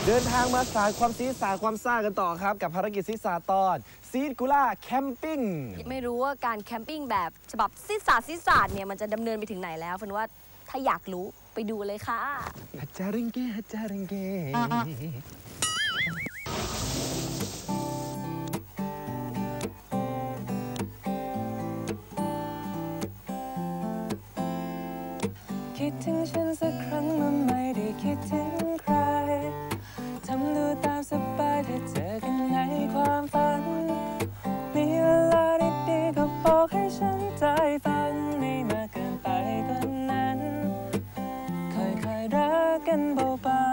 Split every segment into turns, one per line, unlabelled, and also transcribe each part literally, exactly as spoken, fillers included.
เดินทางมาสาดความซีดสาดความซ่ากันต่อครับกับภารกิจซีดสาดตอนซีดกูล่าแคมปิ้ง
ไม่รู้ว่าการแคมปิ้งแบบฉบับซีดสาดซีดสาดเนี่ยมันจะดำเนินไปถึงไหนแล้วเฟิร์นว่าถ้าอยากรู้ไปดูเลยค่ะ
ฮัจจาริงเกฮัจจาริงเก
คิดถึงฉันสักครั้งมันไม่ได้คิดถึงใครทำดูตามสบายถ้าเจอกันในความฝันมีเวลาดีๆก็บอกให้ฉันใจฝันไม่มากเกินไปกว่านั้นค่อยๆรักกันเบา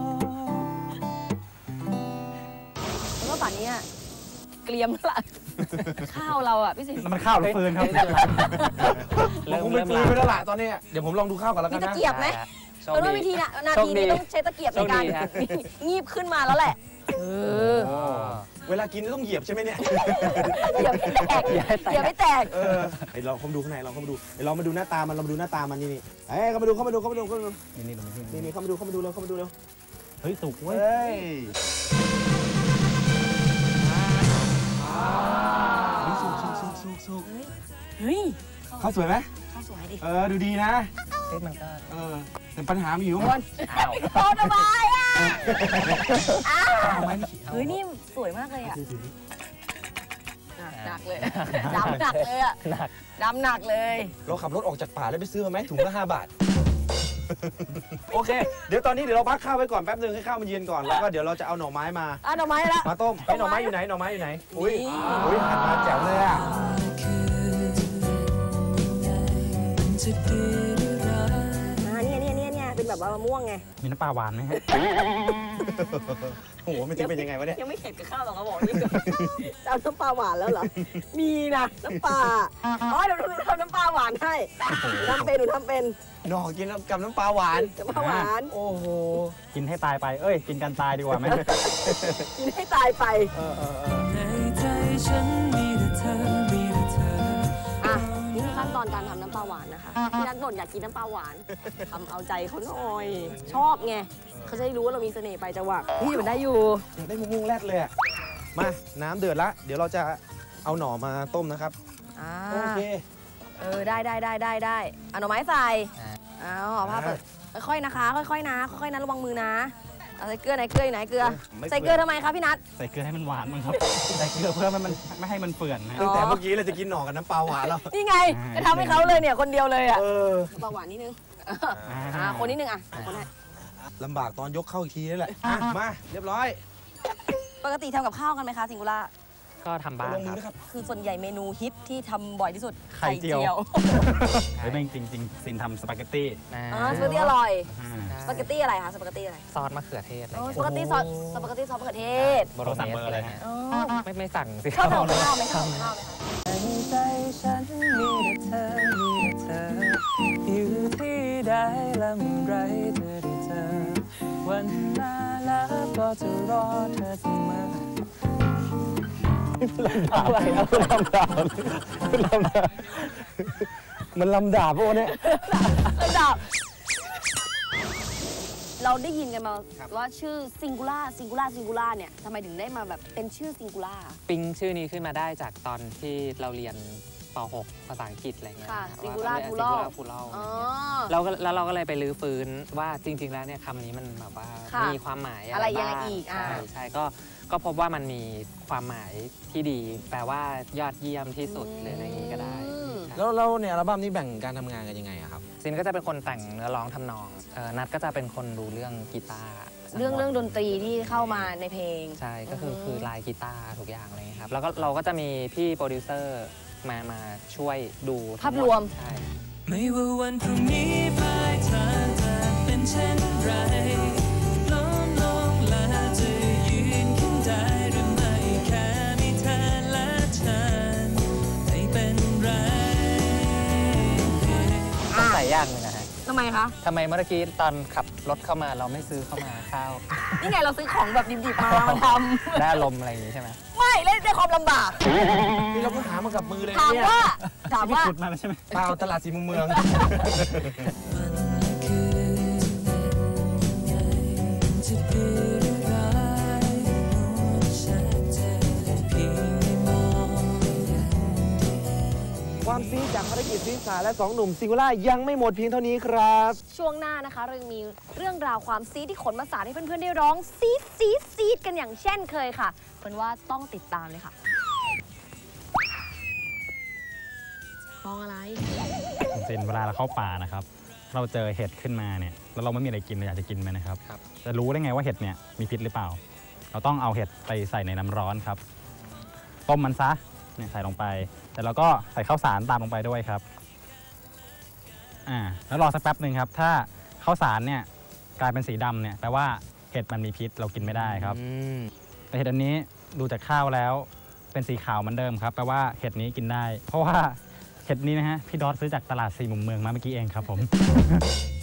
ๆแล้วก็ป่านนี้เกรียมแล้วล่ะข้าวเราอ่ะพี่สิงห์
มันข้าวหรือฟืนครับเราคงเป็นฟืนไปแล้วล่ะตอนนี้เดี๋ยวผมลองดูข้าวก่อนแล้วกันนะ
มีตะเกียบไหมเพราะว่าวิธีน่ะนาทีนี้ต้องใช้ตะเกียบในการงีบขึ้นมาแล้วแหละเออ
เวลากินต้องเหยียบใช่ไหมเนี่ย
อย่าไม่แตกอย่าไม่แตก
เออไอเราเข้ามาดูข้างในเราเข้ามาดูไอเรามาดูหน้าตามันเรามาดูหน้าตามันนี่นี่เอ้เข้ามาดูเข้ามาดูเข้ามาดูเข้ามาดูนี่นี่นี่นี่เข้ามาดูเข้ามาดูเร็วเข้ามาดูเร็วเฮ้ยสุกเว้ยสุกสุกสุกสุกสุก
เฮ้ย
ข้าวสวยไหม
ข้าวสวยดิ
เออดูดีนะ
เฮ้ยมันก็
เออแต่ปัญหามีอยู่
มันโตสบายอ่ะเฮ้ยนี่สวยมากเลยอ่ะหนักเลยดำหนักเลยอ่ะดำหนักเลย
เราขับรถออกจากป่าแล้วไปซื้อมาไหมถุงละห้าบาทโอเคเดี๋ยวตอนนี้เดี๋ยวเราพักข้าวไว้ก่อนแป๊บนึงให้ข้าวมันเย็นก่อนแล้วก็เดี๋ยวเราจะเอาหน่อไม้มา
อ่ะหน่อไม้ละ
มาต้มไอ้หน่อไม้อยู่ไหนหน่อไม้อยู่ไหนอุ้ยอุ้ยหันมาแจ๋วเลยอ่ะ
เนี่ยเนี่ยเนี่ยเนี่ยเป็นแบบว่ามะม่วงไง
มีน้ำปลาหวานไหมฮะโอ้โหไม่จริงเป็นยังไงวะเนี่ย
ยังไม่เข็ดกับข้าวหรอกเขาบอกนี่จะเอาน้ำปลาหวานแล้วเหรอมีนะน้ำปลาอ๋อเดี๋ยวเราทำน้ำปลาหวานให้ทำเป็นหนูทำเป็น
หน่อกินกับน้ำปลาหวาน
น้ำปลาหวาน
โอ้โห
กินให้ตายไปเอ้ยกินกันตายดีกว่าไหม
กินให้ตายไป
เออเออในใจฉันมีแต่เธอมีแต่เธอ
อ่ะนี่คือขั้นตอนการทำน้ำปลาหวานนะคะพี่นัทบ่นอยากกินน้ำปลาหวานทำเอาใจเขาหน่อยชอบไงเขาจะได้รู้ว่าเรามีเสน่ห์ไปจังหวะนี่มันได้อยู่
ได้มุ้งมุ้งแรดเลยมาน้ำเดือดละเดี๋ยวเราจะเอาหน่อมาต้มนะครับโอเค
เออได้ได้ได้ได้ได้เอาหน่อไม้ใส่เอาห่อผ้าเปิดค่อยๆนะคะค่อยๆนะค่อยๆนะระวังมือนะเอาใส่เกลือไหนเกลือไหนเกลือใส่เกลือทำไมครับพี่นัท
ใส่เกลือให้มันหวานมั้งครับใส่เกลือเพื่อมันไม่ให้มันเปื่อน
ตั้งแต่เมื่อกี้เราจะกินหน่อกับน้ำปลาหวานแล้ว
นี่ไงจะทำให้เขาเลยเนี่ยคนเดียวเลยอ่ะน้ำปลาหวานนิดนึงอ่าคนนิดนึงอ่ะคนให้
ลำบากตอนยกเข้าอีกทีนี่แหละมาเรียบร้อย
ปกติทำกับข้าวกันไหมคะสิงคุล่า
ก็ทำบ้าง
ครับ
คือส่วนใหญ่เมนูฮิตที่ทำบ่อยที่สุด
ไข่เจียวเฮ้ยจริงจริงสินทำสปาเกตตี้
อ๋อสปาเกตตี้อร่อยสปาเกตตี้อะไรคะสปาเกตตี้อะไร
ซอสมะเขือเทศอะไร
สปาเกตตี้ซอสสปาเกตตี้ซอสมะเขือเทศ
โบโรสั่งเบอร์อะไรฮะ
ไม่ไม่สั่งสิ
ข้าวข้าวข้าวไหมข้าวข้าวไหม
คะในใจฉันมีแต่เธอมีแต่เธออยู่ที่ใดและเมื่อไรเธอได้เจอวันนาแล้วก็จะรอเธอเสมอ
อะไรนะคุณลำดาบคุณลำดาบมันลำดาบพวกนี้
ลำดาบเราได้ยินกันมาว่าชื่อซิงคูล่าซิงคูล่าซิงคูล่าเนี่ยทำไมถึงได้มาแบบเป็นชื่อซิงคูล่า
ปิ๊งชื่อนี้ขึ้นมาได้จากตอนที่เราเรียนป หก ภาษาอังกฤษอะไรเงี้ย
ซิงคูล่าพูล
ล่าเราก็แล้วเราก็เลยไปรื้อฟื้นว่าจริงๆแล้วเนี่ยคำนี้มันแบบว่ามีความหมาย
อะไรยังไงอีก
ใช่ใช่ก็ก็พบว่ามันมีความหมายที่ดีแปลว่ายอดเยี่ยมที่สุดหรืออะไรอย่างนี้ก็ได้
แล้วแล้วเนี่ยอัลบั้มนี้แบ่งการทำงานกันยังไงครับ
ซินก็จะเป็นคนแต่งเนื้อร้องทำนองนัทก็จะเป็นคนดูเรื่องกีตาร์
เรื่องเรื่องดนตรีที่เข้ามาในเพลง
ใช่ก็คือคือลายกีตาร์ทุกอย่างอะไรครับแล้วก็เราก็จะมีพี่โปรดิวเซอร์มามาช่วยดู
ภาพรวม
ใช่
ไม่ว่าวันพรุ่งนี้ปลายทางจะเป็นเช่นไรล้มลงและจะยืนขึ้นได้หรือไม่แค่มีเธอและฉันไม่เป็นไร
ต้องใส่ย่างเลยนะฮะ
ทำไมคะ
ทำไมเมื่อกี้ตอนขับรถเข้ามาเราไม่ซื้อเข้ามาข้าว
นี่ไงเราซื้อของแบบดิบๆมามาท
ำได้ลมอะไรอย่างนี้ใช่ไหม
ไม่เล่นได้ความลำบาก
นี่เราก็หามากับมือเลย
ถามว่าถามว่า
ขุดมาใช่ไหม
เปล่าตลาดสีมุมเมือง
จะดีหรือไร
ความซีจากภารกิจซีสาและสองหนุ่มซิงคูล่ายังไม่หมดเพียงเท่านี้ครับ
ช่วงหน้านะคะเรายังมีเรื่องราวความซีดที่ขนมาสานให้เพื่อนๆได้ร้องซีดซีดซีดกันอย่างเช่นเคยค่ะเป็นว่าต้องติดตามเลยค่ะมองอะไร
จริงๆเวลาเราเข้าป่านะครับ เราเจอเห็ดขึ้นมาเนี่ยแล้วเราไม่มีอะไรกินเราอยากจะกินไหมนะครับจะรู้ได้ไงว่าเห็ดเนี่ยมีพิษหรือเปล่า เราต้องเอาเห็ดไปใส่ในน้ำร้อนครับต้มมันซะเนี่ยใส่ลงไปแต่เราก็ใส่ข้าวสารตามลงไปด้วยครับอ่าแล้วรอสักแป๊บหนึ่งครับถ้าข้าวสารเนี่ยกลายเป็นสีดำเนี่ยแปลว่าเห็ดมันมีพิษเรากินไม่ได้ครับแต่เห็ดอันนี้ดูจากข้าวแล้วเป็นสีขาวเหมือนเดิมครับแปลว่าเห็ดนี้กินได้ เพราะว่าเห็ดนี้นะฮะพี่ดอสซื้อจากตลาดสี่มุมเมืองมาเมื่อกี้เองครับผม